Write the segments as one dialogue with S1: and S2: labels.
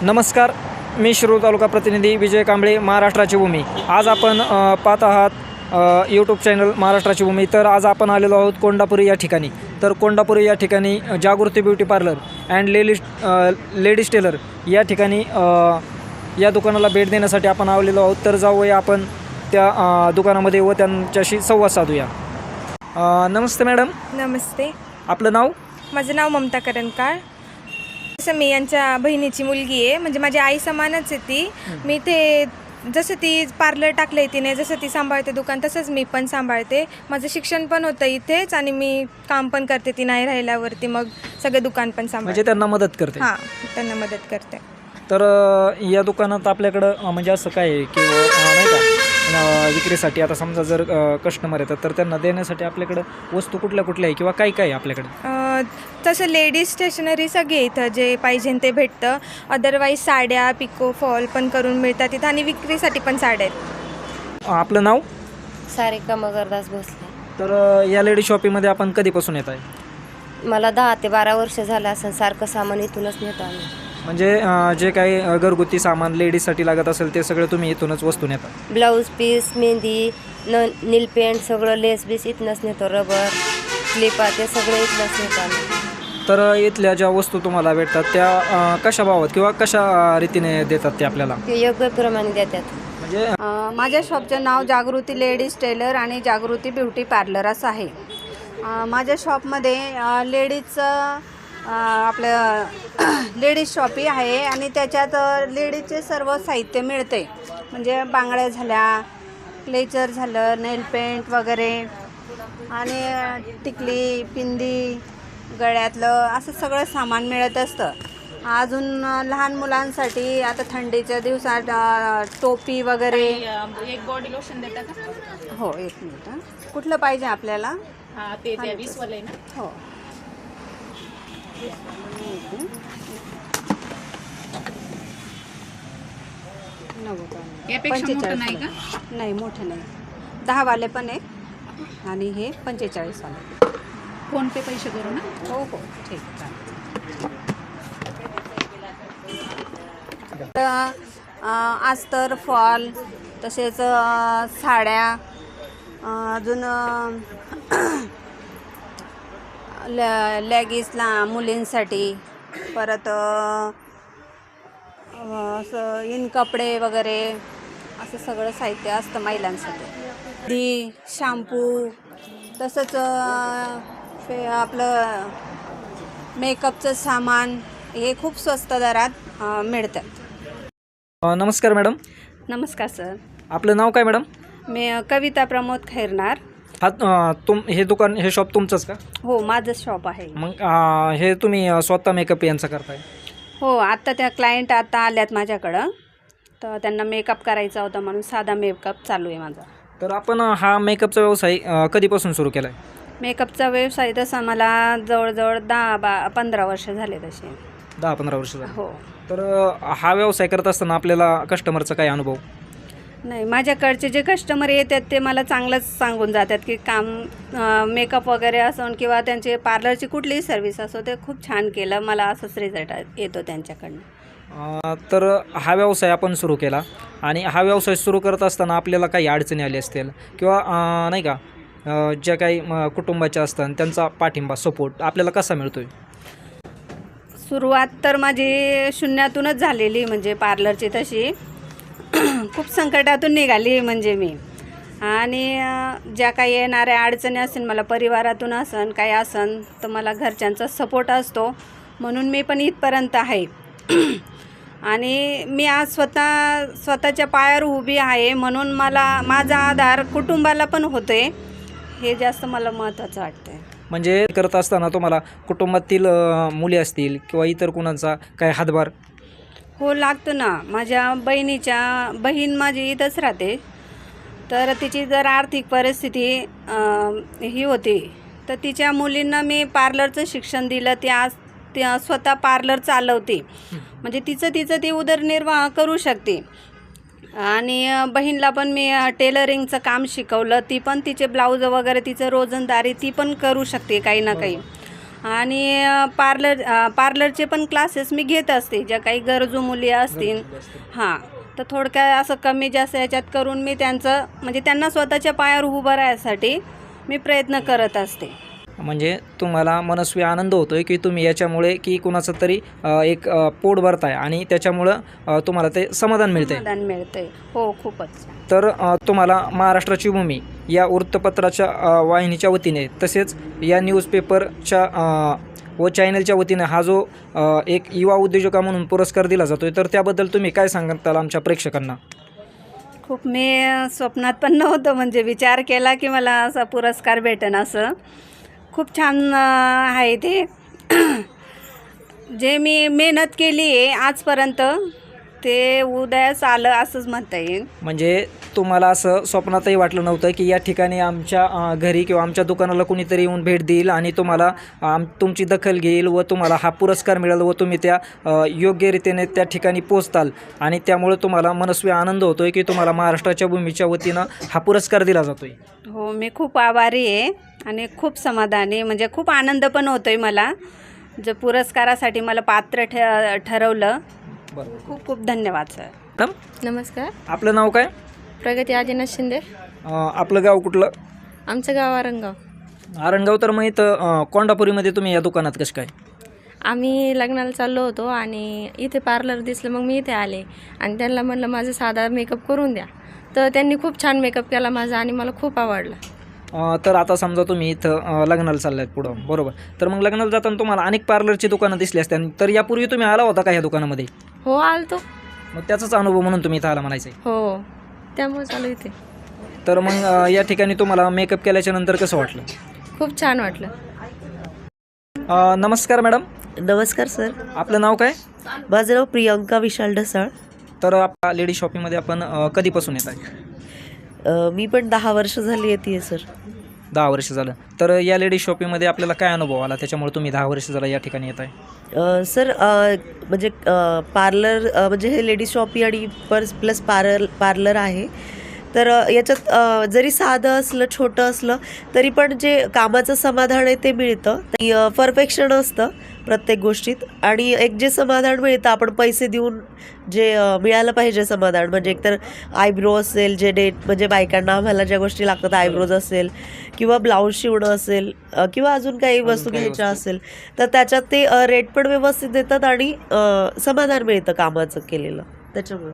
S1: नमस्कार, मी शिरूर तालुका प्रतिनिधी विजय कांबळे, महाराष्ट्राची भूमी. आज आपण पाहत आहात यूट्यूब चॅनल महाराष्ट्राची भूमी. तर आज आपण आलेलो आहोत कोंडापुरी या ठिकाणी. तर कोंडापुरी या ठिकाणी Jagruti beauty parlour and ladies tailor या ठिकाणी या दुकानाला भेट देण्यासाठी आपण आलेलो आहोत. तर जाऊया आपण त्या दुकानामध्ये व त्यांच्याशी संवाद साधूया. नमस्ते मॅडम.
S2: नमस्ते.
S1: आपलं नाव?
S2: माझं नाव ममता करंजकाळ. जसं मी यांच्या बहिणीची मुलगी आहे, म्हणजे माझी आई समानच आहे ती. मी ते जसं ती पार्लर टाकलं आहे तिने, जसं ती सांभाळते दुकान तसंच मी पण सांभाळते. माझं शिक्षण पण होतं इथेच आणि मी काम पण करते. ती नाही राहिल्यावरती मग सगळं दुकान पण सांभाळते.
S1: म्हणजे त्यांना मदत करते?
S2: हां, त्यांना मदत करते.
S1: तर या दुकानात आपल्याकडं म्हणजे असं काय आहे की नाही का विक्रीसाठी आता समजा जर कस्टमर येतात तर त्यांना देण्यासाठी आपल्याकडं वस्तू कुठल्या कुठल्या आहे किंवा काय काय आहे आपल्याकडे?
S2: तसं लेडीज स्टेशनरी सगळे इथं जे पाहिजे ते भेटतं. अदरवाईज साड्या, पिको फॉल पण करून मिळतात इथं आणि विक्रीसाठी पण साड्या आहेत.
S1: आपलं नाव?
S3: सारिका मगरदास भोसले.
S1: तर या लेडी शॉपिंगमध्ये आपण कधीपासून येत आहे?
S3: मला 10 ते 12 वर्ष झालं असं. सारखं सामान इथूनच नेतो आम्ही.
S1: म्हणजे जे काही घरगुती सामान लेडीजसाठी लागत असेल ते सगळं तुम्ही इथूनच वस्तू नेता?
S3: Blouse piece, mehndi, nail paint सगळं, लेस बीस इथनंच नेतो. रबर, क्लिपा ते सगळं इथनंच नेतो आम्ही.
S1: तर इथल्या ज्या वस्तू तुम्हाला भेटतात त्या कशा भावात किंवा कशा रीतीने देतात ते आपल्याला?
S3: ते योग्य प्रमाणे देतात.
S1: म्हणजे
S4: माझ्या शॉपचं नाव जागृती लेडीज टेलर आणि जागृती ब्युटी पार्लर असं आहे. माझ्या शॉपमध्ये लेडीजचं आपलं लेडीज शॉपी आहे आणि त्याच्यात लेडीजचे सर्व साहित्य मिळते. म्हणजे बांगड्या झाल्या, क्लेचर झालं, नेल पेंट वगैरे आणि टिकली, पिंदी, गळ्यातलं असं सगळं सामान मिळत असतं. अजून लहान मुलांसाठी आता थंडीच्या दिवसात टोपी वगैरे.
S5: एक बॉडी लोशन देता का?
S4: हो, एक मिनिट. कुठलं पाहिजे आपल्याला?
S5: हां, ते 20 वाले ना.
S4: हो.
S5: यापेक्षा मोठं नाही का?
S4: नाही, मोठं नाही. 10 वाले पण आहे आणि हे 45 वाले.
S5: फोन पे पैसे करू ना?
S4: हो हो, ठीक आहे. अस्तर, फॉल, तसेच साड्या, अजून लेगीसला मुलींसाठी, परत असं इन कपडे वगैरे असं सगळं साहित्य असतं महिलांसाठी. शॅम्पू, तसंच आपलं मेकअपचं सामान हे खूप स्वस्त दरात मिळतात.
S1: नमस्कार मॅडम.
S4: नमस्कार सर.
S1: आपलं नाव काय मॅडम?
S4: मी कविता प्रमोद खैरनार.
S1: हा हे दुकान, हे शॉप तुमचंच का?
S4: हो, माझं शॉप आहे.
S1: मग हे तुम्ही स्वतः मेकअप यांचं करताय?
S4: हो, आत्ता त्या क्लायंट आता आल्यात माझ्याकडं, तर त्यांना मेकअप करायचा होता म्हणून साधा मेकअप चालू आहे माझा.
S1: तर आपण हा मेकअपचा व्यवसाय कधीपासून सुरू केला आहे?
S4: मेकअपचा व्यवसाय तसा मला जवळजवळ 10-15 वर्ष झाले तसे.
S1: 10-15 वर्ष झाली.
S4: हो.
S1: तर हा व्यवसाय करत असताना आपल्याला कस्टमरचा काय अनुभव?
S4: नाही, माझ्याकडचे जे कस्टमर येतात ते मला चांगलंच सांगून जातात की काम मेकअप वगैरे असो किंवा त्यांचे पार्लरची कुठलीही सर्विस असो ते खूप छान केलं. मला असंच रिझल्ट येतो त्यांच्याकडनं.
S1: तर हा व्यवसाय आपण सुरू केला आणि हा व्यवसाय सुरू करत असताना आपल्याला काही अडचणी आल्या असतील किंवा नाही का ज्या काही कुटुंबाच्या असतात त्यांचा पाठिंबा, सपोर्ट आपल्याला कसा मिळतोय?
S4: सुरुवात तर माझी शून्यातूनच झालेली, म्हणजे पार्लरची तशी खूप संकटातून निघाली म्हणजे मी. आणि ज्या काही येणाऱ्या अडचणी असेल मला परिवारातून असन काही असन तर मला घरच्यांचा सपोर्ट असतो म्हणून मी पण इथपर्यंत आहे. आणि मी आज स्वतःच्या पायावर उभी आहे म्हणून मला माझा आधार कुटुंबाला पण होते, हे जास्त मला महत्त्वाचं वाटतं.
S1: म्हणजे करत असताना तुम्हाला कुटुंबातील मुली असतील किंवा इतर कुणाचा काय हातभार?
S4: हो, लागतं ना. माझ्या बहीण माझी इथंच राहते, तर तिची जर आर्थिक परिस्थिती ही होती तर तिच्या मुलींना मी पार्लरचं शिक्षण दिलं. ती आज स्वतः पार्लर चालवते, म्हणजे तिचं ती उदरनिर्वाह करू शकते. आणि बहीणला पण मी टेलरिंगचं काम शिकवलं. ती पण तिचे ब्लाऊज वगैरे तिचं रोजंदारी ती पण करू शकते काही ना काही. आणि पार्लरचे पण क्लासेस मी घेत असते, ज्या काही गरजू मुली असतील. हां, तर थोडक्यात असं कमी जास्त याच्यात करून मी त्यांचं म्हणजे त्यांना स्वतःच्या पायावर उभं राहण्यासाठी मी प्रयत्न करत असते.
S1: म्हणजे तुम्हाला मनस्वी आनंद होतो आहे की तुम्ही याच्यामुळे की कुणाचं तरी एक पोट भरताय आणि त्याच्यामुळं तुम्हाला ते समाधान मिळते.
S4: समाधान मिळतंय. हो, खूपच.
S1: तर तुम्हाला महाराष्ट्राची भूमी या वृत्तपत्राच्या वाहिनीच्या वतीने तसेच या न्यूजपेपरच्या व चॅनलच्या वतीने हा जो एक युवा उद्योजका म्हणून पुरस्कार दिला जातो आहे, तर त्याबद्दल तुम्ही काय सांगताल आमच्या प्रेक्षकांना?
S4: खूप मी स्वप्नात पण नव्हतं म्हणजे विचार केला की मला असा पुरस्कार भेटेन असं. खूप छान आहे ते. जे मी मेहनत केली आहे आजपर्यंत ते उदयास आलं असंच म्हणता येईल.
S1: म्हणजे तुम्हाला असं स्वप्नातही वाटलं नव्हतं की या ठिकाणी आमच्या घरी किंवा आमच्या दुकानाला कुणीतरी येऊन भेट देईल आणि तुम्हाला तुमची दखल घेईल व तुम्हाला हा पुरस्कार मिळेल व तुम्ही त्या योग्यरीतीने त्या ठिकाणी पोचताल आणि त्यामुळे तुम्हाला मनस्वी आनंद होतो आहे की तुम्हाला महाराष्ट्राच्या भूमीच्या वतीनं हा पुरस्कार दिला जातो आहे.
S4: हो, मी खूप आभारी आहे आणि खूप समाधानी म्हणजे खूप आनंद पण होतो आहे मला. जे पुरस्कारासाठी मला पात्र ठरवलं.
S1: बरोबर.
S4: खूप खूप धन्यवाद सर.
S1: मॅडम,
S2: नमस्कार.
S1: आपलं नाव काय?
S2: प्रगती आदिनाथ शिंदे.
S1: आपलं गाव कुठलं?
S2: आमचं गाव आरंगाव.
S1: आरणगाव. तर मग इथं कोंडापुरीमध्ये तुम्ही या दुकानात कसं काय?
S2: आम्ही लग्नाला चाललो होतो आणि इथे पार्लर दिसलं, मग मी इथे आले आणि त्यांना म्हणलं माझा साधा मेकअप करून द्या. तर त्यांनी खूप छान मेकअप केला माझा आणि मला खूप आवडला.
S1: तर आता समजा तुम्ही इथं लग्नाला चाललात पुढं, बरोबर. तर मग लग्नाला जाताना तुम्हाला अनेक पार्लरची दुकानं दिसली असतात, तर यापूर्वी तुम्ही आला होता का ह्या दुकानामध्ये?
S2: हो, आलतो.
S1: मग त्याचाच अनुभव म्हणून तुम्ही इथं आला म्हणायचं आहे.
S2: हो, त्यामुळे चालू इथे.
S1: तर मग या ठिकाणी तुम्हाला मेकअप केल्याच्या नंतर कसं वाटलं?
S2: खूप छान वाटलं.
S1: नमस्कार मॅडम,
S6: नमस्कार सर.
S1: आपलं नाव काय?
S6: माझं नाव प्रियंका विशाल ढसाळ.
S1: तर आपल्या लेडी शॉपिंगमध्ये आपण कधीपासून येत आहे?
S6: मी पण 10 वर्ष झाली येते सर.
S1: 10 वर्ष झालं. तर या लेडी शॉपिंगमध्ये आपल्याला काय अनुभव आला त्याच्यामुळे तुम्ही 10 वर्ष झाला या ठिकाणी येत आहे?
S6: सर म्हणजे पार्लर म्हणजे हे लेडीज शॉपी आणि प्लस पार्लर आहे. तर याच्यात जरी साधं असलं छोटं असलं तरी पण जे कामाचं समाधान आहे ते मिळतं. परफेक्शन असतं प्रत्येक गोष्टीत आणि एक जे समाधान मिळतं आपण पैसे देऊन जे मिळालं पाहिजे समाधान म्हणजे एकतर आयब्रो असेल जे म्हणजे बायकांना आम्हाला ज्या गोष्टी लागतात आयब्रोज असेल किंवा ब्लाऊज शिवणं असेल किंवा अजून काही वस्तू घ्यायच्या असेल तर त्याच्यात ते रेट पण व्यवस्थित देतात आणि समाधान मिळतं कामाचं केलेलं त्याच्यामुळे.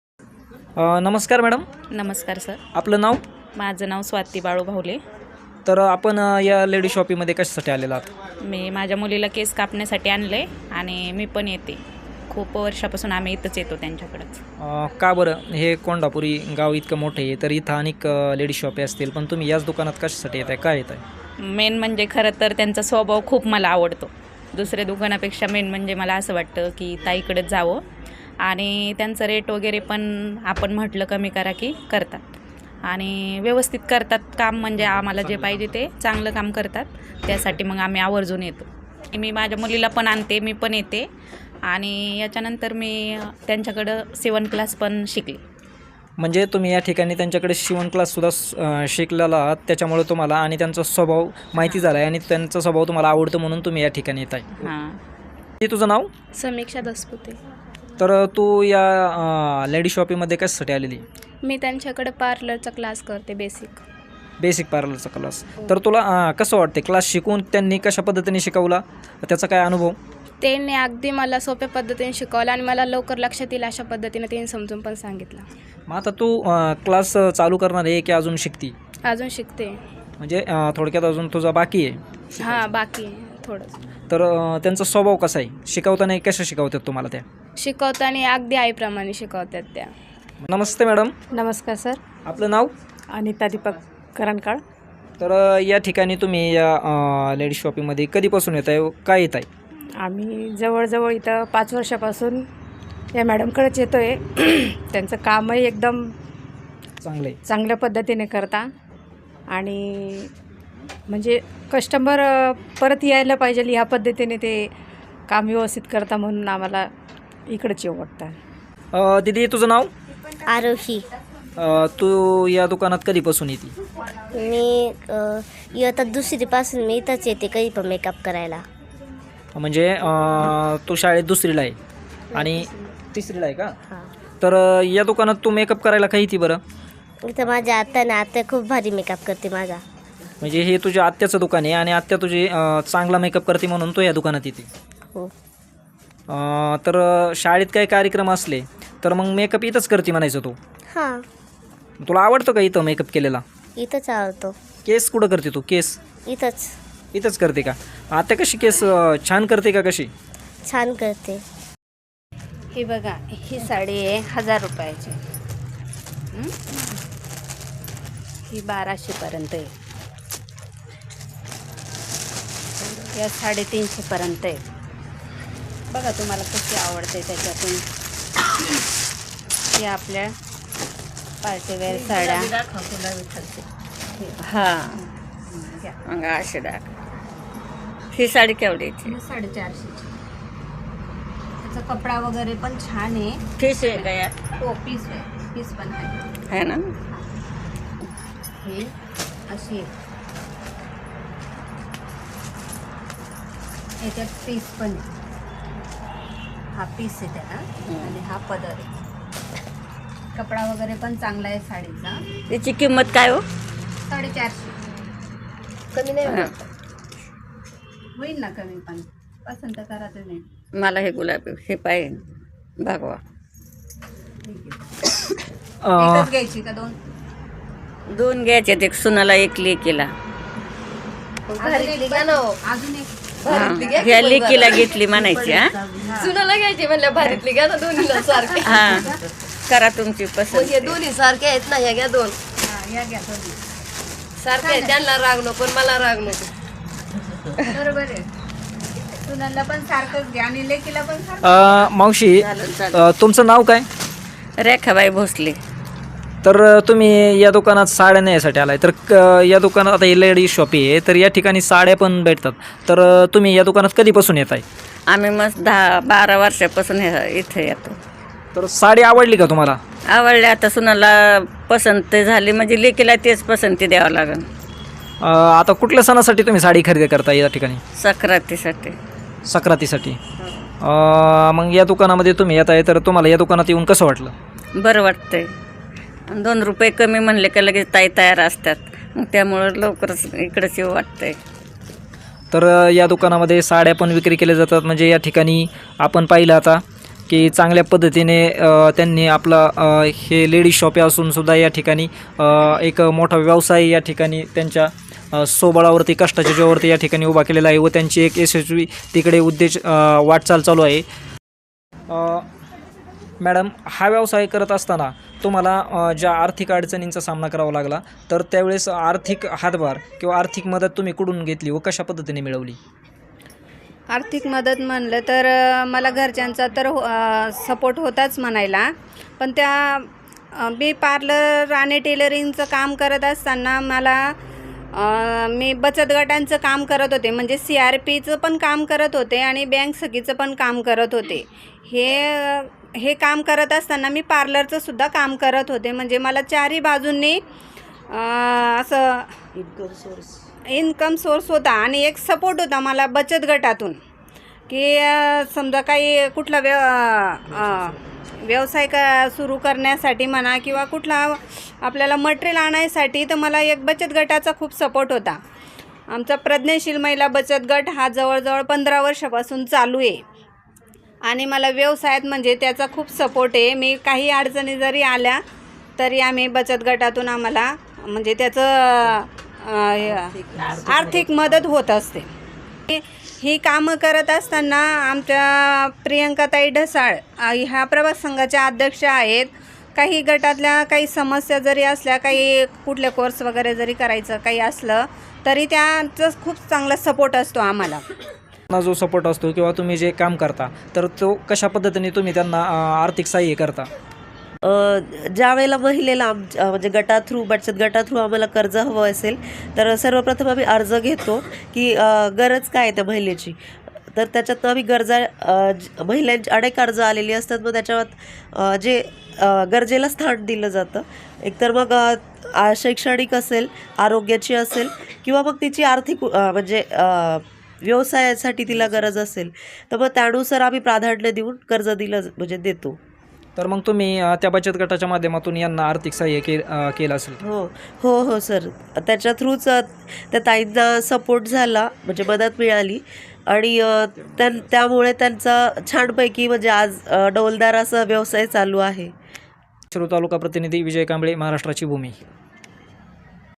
S1: नमस्कार मॅडम,
S5: नमस्कार सर.
S1: आपलं नाव?
S5: माझं नाव स्वाती बाळू भावले.
S1: तर आपण या लेडी शॉपिंगमध्ये कशासाठी आलेला आहात?
S5: मी माझ्या मुलीला केस कापण्यासाठी आणले आणि मी पण येते. खूप वर्षापासून आम्ही इथंच येतो त्यांच्याकडंच.
S1: का बरं? हे कोंडापुरी गाव इतकं मोठं आहे तर इथं अनेक लेडी शॉपी असतील पण तुम्ही याच दुकानात कशासाठी येत आहे, काय येत आहे?
S5: मेन म्हणजे खरं तर त्यांचा स्वभाव खूप मला आवडतो. दुसऱ्या दुकानापेक्षा मेन म्हणजे मला असं वाटतं की ताईकडेच जावं आणि त्यांचं रेट वगैरे पण आपण म्हटलं कमी करा की करतात आणि व्यवस्थित करतात काम. म्हणजे आम्हाला जे पाहिजे ते चांगलं काम करतात. त्यासाठी मग आम्ही आवर्जून येतो. मी माझ्या मुलीला पण आणते, मी पण येते आणि याच्यानंतर मी त्यांच्याकडं शिवण क्लास पण शिकले.
S1: म्हणजे तुम्ही या ठिकाणी त्यांच्याकडे शिवण क्लाससुद्धा शिकलेला आहात त्याच्यामुळे तुम्हाला आणि त्यांचा स्वभाव माहिती झाला आहे आणि त्यांचा स्वभाव तुम्हाला आवडतो म्हणून तुम्ही या ठिकाणी येत आहे.
S5: हां.
S1: ते तुझं नाव?
S2: समीक्षा दसपुते.
S1: तर तू या लेडी शॉपिंगमध्ये कशासाठी आलेली?
S2: मी त्यांच्याकडे पार्लरचा क्लास करते,
S1: बेसिक पार्लरचा क्लास. तर तुला कसं वाटते क्लास शिकवून त्यांनी कशा पद्धतीने शिकवला, त्याचा काय अनुभव?
S2: त्यांनी अगदी मला सोप्या पद्धतीने शिकवलं आणि मला लवकर लक्षात येईल अशा पद्धतीने त्यांनी समजून पण सांगितलं.
S1: मग आता तू क्लास चालू करणार आहे की अजून शिकती?
S2: अजून शिकते.
S1: म्हणजे थोडक्यात अजून तुझा बाकी आहे?
S2: हां, बाकी आहे थोडंच.
S1: तर त्यांचा स्वभाव कसा आहे? शिकवताना कशा शिकवतात तुम्हाला त्या?
S2: शिकवताना अगदी आईप्रमाणे शिकवतात त्या.
S1: नमस्ते मॅडम,
S4: नमस्कार सर.
S1: आपलं नाव?
S4: अनिता दीपक करंकाळ.
S1: तर या ठिकाणी तुम्ही या लेडी शॉपिंगमध्ये कधीपासून येत आहे, काय येत आहे?
S7: आम्ही जवळजवळ इथं 5 वर्षापासून या मॅडमकडेच येतो आहे. त्यांचं कामही एकदम
S1: चांगलं आहे.
S7: चांगल्या पद्धतीने करता आणि म्हणजे कस्टमर परत यायला पाहिजे ह्या पद्धतीने ते काम व्यवस्थित करता म्हणून आम्हाला इकडंच येऊ वाटतं.
S1: दीदी तुझं नाव?
S8: आरोही.
S1: तू या दुकानात कधीपासून येते?
S8: मी इयत्ता 2रीपासून मी इथंच येते, काही पण मेकअप करायला.
S1: म्हणजे तू शाळेत दुसरीला आहे आणि तिसरीला आहे का?
S8: हां.
S1: तर या दुकानात तू मेकअप करायला काही ती बरं?
S8: इथं माझ्या आत्या खूप भारी मेकअप करते माझा.
S1: म्हणजे हे तुझ्या आत्याचं दुकान आहे आणि आत्या तुझी चांगला मेकअप करते म्हणून तू या दुकानात येते.
S8: हो.
S1: तर शाळेत काही कार्यक्रम असले तर मग मेकअप इथंच करते म्हणायचं तू.
S8: हां.
S1: तुला आवडतं का इथं मेकअप केलेला?
S8: इथंच आवडतो.
S1: केस कुठं करते तू? केस
S8: इथंच
S1: इथंच करते का? आत्या कशी केस छान करते का कशी?
S8: छान करते.
S4: ही बघा, ही साडी आहे 1000 रुपयाची. ही 1200पर्यंत आहे. या 350पर्यंत आहे. बघा तुम्हाला कशी आवडते त्याच्यातून. ही आपल्या पार्टीवेअर साड्या.
S9: हां मग अशी डाक. ही साडी केवढीची?
S4: 450ची. त्याचा कपडा वगैरे पण छान आहे.
S9: पीस आहे का यात?
S4: हो, पीस आहे. पीस पण आहे.
S9: आहे ना.
S4: ही अशी आहे. याच्यात पीस पण आहे. हा पीस आहे त्याला आणि हा पदर आहे. कपडा वगैरे पण चांगला आहे साडीचा.
S9: त्याची किंमत काय हो?
S4: 450.
S8: कमी नाही
S9: हां.
S4: होईल ना कमी, पण पसंत करा तुम्ही.
S9: मला हे गुलाबी हे पाहिजे भागवा.
S4: एकच घ्यायची का दोन?
S9: दोन घ्यायचे. एक सुनाला एक लेकीला.
S8: भारीतली घ्या ना हो.
S4: अजून एक.
S9: हां ह्या लेकीला घेतली म्हणायची. हां
S8: सुनाला घ्यायची म्हणल्या भारीतली घ्या ना दोन्हीला सारखे.
S9: हां करा तुमची पसंत.
S8: हे दोन्ही सारखे आहेत ना, ह्या घ्या दोन.
S4: हा, या घ्या दोन्ही.
S8: सारखे आहेत, त्यांना राग नको पण मला राग नको.
S4: बरोबर आहे. सुनाला पण सारखंच घ्या आणि लेकीला पण सारखं.
S1: मावशी तुमचं नाव काय?
S9: रेखाबाई भोसले.
S1: तर तुम्ही या दुकानात साड्या नेण्यासाठी आलाय. तर या दुकानात आता हे लेडीज शॉप आहे, तर या ठिकाणी साड्या पण भेटतात. तर तुम्ही या दुकानात कधीपासून येत आहे?
S9: आम्ही मस्त 10-12 वर्षापासून इथे येतो.
S1: तर साडी आवडली का तुम्हाला?
S9: आवडले. आता सुनाला पसंत झाली म्हणजे लेकीला तेच पसंती द्यावं लागेल.
S1: आता कुठल्या सणासाठी तुम्ही साडी खरेदी करता या ठिकाणी?
S9: सक्रातीसाठी.
S1: सक्रातीसाठी. मग या दुकानामध्ये तुम्ही येत आहे, तर तुम्हाला या दुकानात येऊन कसं वाटलं?
S9: बरं वाटतंय. 2 रुपये कमी म्हणले का लगेच ताई तयार असतात. मग त्यामुळं लवकरच इकडंच येऊ वाटतंय.
S1: तर या दुकानामध्ये साड्या पण विक्री केल्या जातात. म्हणजे या ठिकाणी आपण पाहिलं आता की चांगल्या पद्धतीने त्यांनी आपला हे लेडीज शॉप असून सुद्धा या ठिकाणी एक मोठा व्यवसाय या ठिकाणी त्यांच्या स्वबळावरती कष्टाच्या जीवावरती या ठिकाणी उभा केलेला आहे व त्यांची एक यशस्वी तिकडे वाटचाल चालू आहे. मॅडम, हा व्यवसाय करत असताना तुम्हाला ज्या आर्थिक अडचणींचा सामना करावा लागला, तर त्यावेळेस आर्थिक हातभार किंवा आर्थिक मदत तुम्ही कुठून घेतली व कशा पद्धतीने मिळवली?
S4: आर्थिक मदत म्हणलं तर मला घरच्यांचा तर सपोर्ट होताच म्हणायला. पण त्या मी पार्लर आणि टेलरिंगचं काम करत असताना मला मी बचत गटांचं काम करत होते. म्हणजे CRPचं पण काम करत होते आणि बँक सखीचं पण काम करत होते. हे काम करत असताना मी पार्लरचं सुद्धा काम करत होते. म्हणजे मला चारही बाजूंनी असं इन्कम सोर्स होता आणि एक सपोर्ट होता मला बचत गटातून, की समजा काही कुठला व्यवसाय सुरू करण्यासाठी म्हणा किंवा कुठला आपल्याला मटेरियल आणायसाठी, तर मला एक बचत गटाचा खूप सपोर्ट होता. आमचा प्रज्ञाशील महिला बचत गट हा जवळजवळ 15 वर्षापासून चालू आहे आणि मला व्यवसायात म्हणजे त्याचा खूप सपोर्ट आहे. मी काही अडचणी जरी आल्या तरी आम्ही बचत गटातून आम्हाला म्हणजे त्याचं आर्थिक मदत होत असते. ही कामं करत असताना आमच्या प्रियंकाताई ढसाळ ह्या प्रभाग संघाच्या अध्यक्ष आहेत. काही गटातल्या काही समस्या जरी असल्या, काही कुठले कोर्स वगैरे जरी करायचं काही असलं तरी त्यांचा खूप चांगला सपोर्ट असतो आम्हाला.
S1: जो सपोर्ट असतो किंवा तुम्ही जे काम करता, तर तो कशा पद्धतीने तुम्ही त्यांना आर्थिक सहाय्य करता?
S6: ज्या वेळेला महिलेला म्हणजे बचत गटा थ्रू आम्हाला कर्ज हवं असेल तर सर्वप्रथम आम्ही अर्ज घेतो की गरज काय आहे त्या महिलेची. तर त्याच्यातनं आम्ही महिलांची अनेक अर्ज आलेली असतात. मग त्याच्यात जे गरजेला स्थान दिलं जातं. एकतर मग शैक्षणिक असेल, आरोग्याची असेल किंवा मग तिची आर्थिक म्हणजे व्यवसायासाठी तिला गरज असेल तर मग त्यानुसार आम्ही प्राधान्य देऊन कर्ज दिलं म्हणजे देतो.
S1: तर मग तुम्ही त्या बचत गटाच्या माध्यमातून यांना आर्थिक सहाय्य केलं असेल.
S6: हो हो हो सर, त्याच्या थ्रूच त्या ताईंना सपोर्ट झाला, म्हणजे मदत मिळाली आणि त्यामुळे त्यांचा छानपैकी म्हणजे आज डौलदार असा व्यवसाय चालू आहे.
S1: शिरूर तालुका प्रतिनिधी विजय कांबळे, महाराष्ट्राची भूमी.